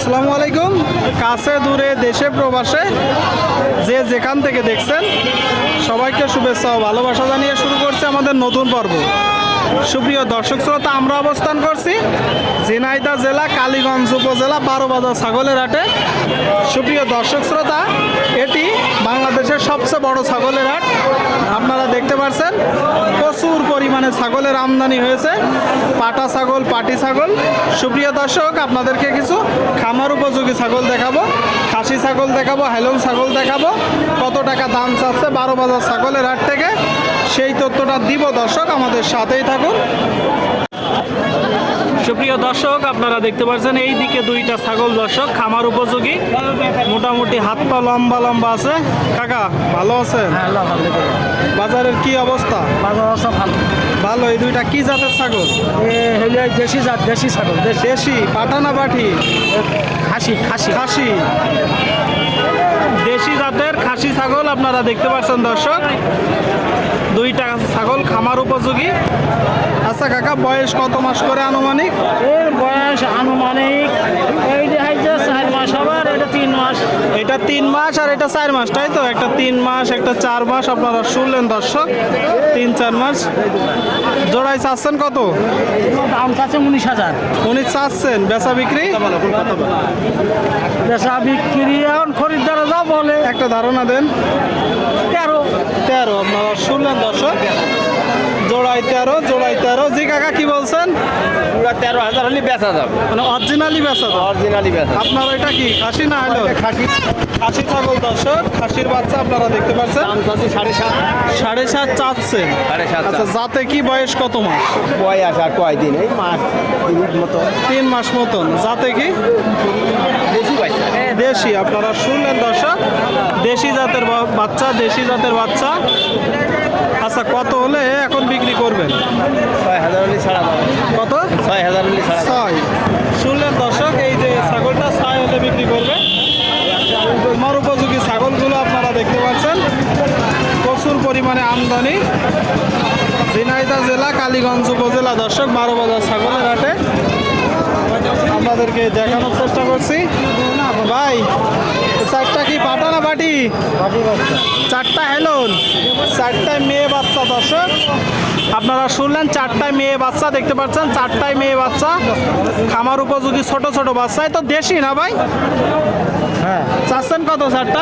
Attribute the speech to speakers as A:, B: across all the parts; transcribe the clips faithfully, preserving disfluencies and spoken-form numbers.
A: আসসালামু আলাইকুম। কাছে দূরে দেশে প্রবাসে যে যেখান থেকে দেখছেন সবাইকে শুভেচ্ছা ও ভালোবাসা জানিয়ে শুরু করছে আমাদের নতুন পর্ব। সুপ্রিয় দর্শক শ্রোতা, আমরা অবস্থান করছি ঝিনাইদহ জেলা কালীগঞ্জ উপজেলা বারোবাজার ছাগলের হাটে। সুপ্রিয় দর্শক শ্রোতা, এটি বাংলাদেশের সবচেয়ে বড় ছাগলের হাট। আপনারা দেখতে পাচ্ছেন প্রচুর পরিমাণে ছাগলের আমদানি হয়েছে, পাটা ছাগল, পাটি ছাগল। সুপ্রিয় দর্শক, আপনাদেরকে কিছু খামার উপযোগী ছাগল দেখাবো, খাসি ছাগল দেখাবো, হেলন ছাগল দেখাবো। কত টাকা দাম চাচ্ছে বারোবাজার ছাগলের হাট থেকে সেই তথ্যটা দিব। দর্শক আমাদের সাথেই থাকুন। সুপ্রিয় দর্শক, আপনারা দেখতে পাচ্ছেন এই দিকে দুইটা ছাগল দর্শক খামার উপযোগী, মোটামুটি হাত পা লম্বা লম্বা আছে। কাকা ভালো আছেন? বাজারের কি অবস্থা?
B: বাজার অবস্থা ভালো
A: ভালো। এই দুইটা কি জাতের ছাগল?
B: দেশি জাত, দেশি ছাগল।
A: দেশি পাটা না পাঠি?
B: খাসি খাসি
A: খাসি, দেশি জাতের খাসি ছাগল আপনারা দেখতে পাচ্ছেন দর্শক। দুইটা ছাগল খামার উপযোগী। আচ্ছা কাকা, বয়স কত মাস করে আনুমানিক?
B: এর বয়স আনুমানিক এই যে চার মাস, আবার এটা তিন মাস।
A: এটা তিন মাস আর এটা চার মাস, তাই তো? একটা তিন মাস, একটা চার মাস। আপনারা শুনলেন দর্শক, তিন চার মাস। জোড়াই চাচ্ছেন কত?
B: দাম চাচ্ছে উনিশ হাজার।
A: উনি চাচ্ছেন, বেচা বিক্রি?
B: বেচা বিক্রি এখন খরিদ্দার যা বলে।
A: একটা ধারণা দেন।
B: তেরো
A: তেরো আপনারা শুনলেন দর্শক, জোড়াই তেরো, জোড়াই তেরো। জি কাকা কি বলছেন?
B: পুরা তেরো হাজার হলে বেচা যাবে,
A: মানে অরিজিনালি বেচা তো?
B: অরিজিনালি বেচা।
A: আপনার এটা কি খাসি না হলো?
B: খাসি
A: খাসি ছাগল দর্শক, খাসির বাচ্চা আপনারা দেখতে পাচ্ছেন।
B: দাম চাচ্ছে সাড়ে সাত।
A: সাড়ে সাত চাচ্ছেন?
B: সাড়ে সাত।
A: আচ্ছা, যাতে কি বয়স কত মাস?
B: বয়স আর কয়দিন? এই মাস তিন মতো।
A: তিন মাস মতন। যাতে কি?
B: বেশি পয়সা।
A: দেশি। আপনারা শুনলেন দর্শক, দেশি জাতের বা- বাচ্চা, দেশি জাতের বাচ্চা। আচ্ছা, কত হলে এখন বিক্রি করবেন?
B: ছয় হাজার হলে ছাড়া যাবে।
A: কত?
B: ছয় হাজার হলে ছাড়া যাবে।
A: ছয়। শুনলেন দর্শক, এই যে ছাগলটা ছয় হলে বিক্রি করবে। আমার উপযোগী ছাগলগুলো আপনারা দেখতে পাচ্ছেন, প্রচুর পরিমাণে আমদানি। ঝিনাইদহ জেলা কালীগঞ্জ উপজেলা দর্শক বারোবাজার ছাগলের হাটে আপনাদেরকে দেখানোর চেষ্টা করছি। ভাই, চারটা কি পাটা না বাটি? চারটা হেলন, চারটায় মেয়ে বাচ্চা দর্শক। আপনারা শুনলেন, চারটায় মেয়ে বাচ্চা দেখতে পাচ্ছেন, চারটায় মেয়ে বাচ্চা খামার উপযোগী ছোট ছোট বাচ্চায় তো দেশি না ভাই?
B: হ্যাঁ,
A: চাচ্ছেন কত চারটা?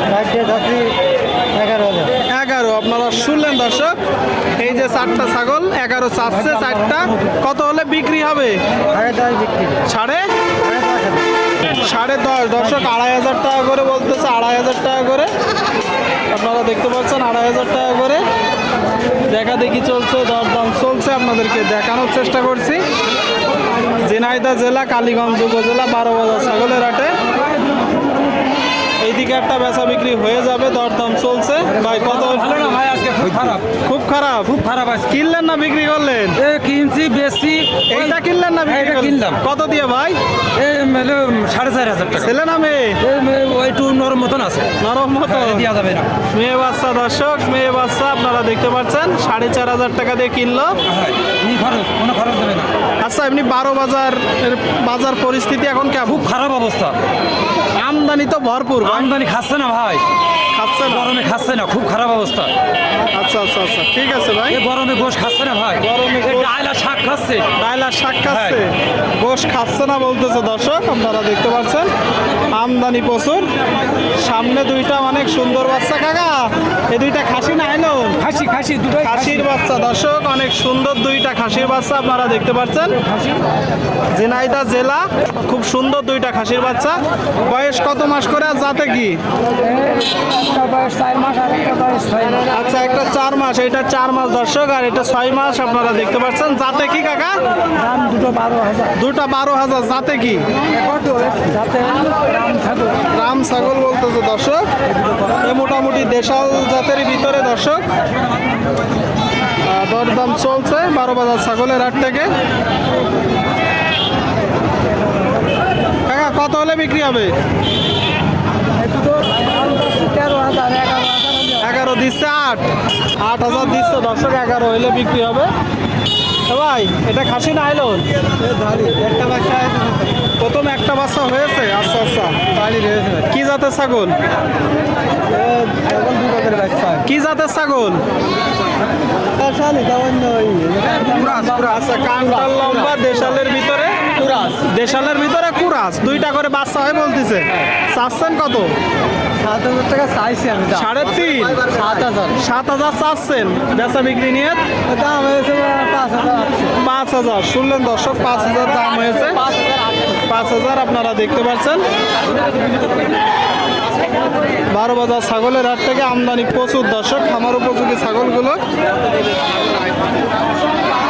B: এগারো হাজার।
A: এগারো। আপনারা শুনলেন দর্শক, এই যে চারটা ছাগল এগারো চাচ্ছে। চারটা কত হলে বিক্রি হবে?
B: সাড়ে দশ বিক্রি।
A: সাড়ে সাড়ে দশ। দর্শক আড়াই হাজার টাকা করে বলতেছে, আড়াই হাজার টাকা করে। আপনারা দেখতে পাচ্ছেন আড়াই হাজার টাকা করে দেখা দেখি চলছে, দরদাম চলছে। আপনাদেরকে দেখানোর চেষ্টা করছি ঝিনাইদহ জেলা কালীগঞ্জ উপজেলা বারোবাজার ছাগলের হাটে। এইদিকে একটা বেচা বিক্রি হয়ে যাবে, দরদাম চলছে। ভাই কত?
B: ভাই আজকে খুব খারাপ,
A: খুব খারাপ।
B: খুব খারাপ আছে।
A: কিনলেন না বিক্রি করলেন?
B: এ কিনছি বেশি।
A: এইটা কিনলেন না বিক্রি
B: এইটা
A: করলেন?
B: কিনলাম।
A: কত দিয়ে ভাই?
B: এই মেলে সাড়ে চার হাজার টাকা।
A: ছেলে না মেয়ে?
B: এই মে- ওই একটু নরম মতন আছে,
A: নরম মতো
B: দেওয়া যাবে না।
A: মেয়ে বাচ্চা দর্শক, মেয়ে বাচ্চা আপনারা দেখতে পাচ্ছেন, সাড়ে চার হাজার টাকা দিয়ে কিনলো।
B: এই খরচ, কোনো খরচ দেবে না।
A: আচ্ছা, এমনি বারো বাজার এর বাজার পরিস্থিতি এখন কেমন?
B: খুব খারাপ অবস্থা।
A: আমদানি তো ভরপুর ভাই।
B: আমদানি খাচ্ছে না ভাই,
A: খাচ্ছে না?
B: গরমে খাচ্ছে না, খুব খারাপ অবস্থা।
A: আচ্ছা আচ্ছা আচ্ছা, ঠিক আছে ভাই।
B: এই গরমে গোশ খাচ্ছে না ভাই,
A: গরমে
B: এই
A: গোশ-
B: ডাল আর শাক খাচ্ছে।
A: ডাইলা শাক খাচ্ছে, গোশ খাচ্ছে না বলতেছে দর্শক। আপনারা দেখতে পাচ্ছেন আমদানি প্রচুর। সামনে দুইটা অনেক সুন্দর বাচ্চা। কাকা, এই দুইটা খাসি না এলো?
B: খাসি খাসি দুটোই
A: খাসির বাচ্চা দর্শক, অনেক সুন্দর দুইটা খাসির বাচ্চা আপনারা দেখতে পাচ্ছেন। ঝিনাইদহ জেলা, খুব সুন্দর দুইটা খাসির বাচ্চা। বয়স কত মাস করে আর যাতে কি?
B: একটা বয়স চার মাস আর একটা বয়স ছয় মাস।
A: আচ্ছা, একটা চার মাস, এটা চার মাস দর্শক, আর এটা ছয় মাস আপনারা দেখতে পাচ্ছেন। যাতে কি কাকা?
B: দাম দুটো বারো হাজার।
A: দুটা বারো হাজার। যাতে কি?
B: যাতে দাম থাকবে।
A: রাম ছাগল বলতেছে দর্শক। এ মোটামুটি দেশাল জাতের ভিতরে দর্শক আহ, দরদাম চলছে বারো বাজার ছাগলের হাট থেকে। কাকা কত হলে বিক্রি হবে?
B: তেরো হাজার, এগারো হাজার।
A: এগারো দিচ্ছে, আট আট হাজার দিচ্ছে দর্শক, এগারো হলে বিক্রি হবে। এ ভাই এটা খাসি না আইলন?
C: একটা বাচ্চা
A: প্রথম একটা বাচ্চা হয়েছে। আচ্ছা আচ্ছা,
C: বাড়ি রয়েছে
A: কি জাতের ছাগল?
C: এখন দু বছরের বাচ্চা
A: কি জাতের ছাগল? আচ্ছা, কানটাল লম্বা, দেশালের ভিতরে দেশালের ভিতরে কুরাস, দুইটা করে বাচ্চা হয় বলতেছে। চাচ্ছেন কত?
C: সাত হাজার টাকা চাইছি আমি দাম।
A: সাড়ে তিন
C: সাত হাজার
A: সাত হাজার চাচ্ছেন, বেচা বিক্রি নিয়ে
C: দাম হয়েছে পাঁচ হাজার
A: পাঁচ হাজার। শুনলেন দর্শক, পাঁচ হাজার দাম হয়েছে।
C: পাঁচ হাজার
A: পাঁচ হাজার আপনারা দেখতে পাচ্ছেন। বারো বাজার ছাগলের হাট থেকে আমদানি প্রচুর দর্শক, খামার উপযোগী ছাগলগুলো।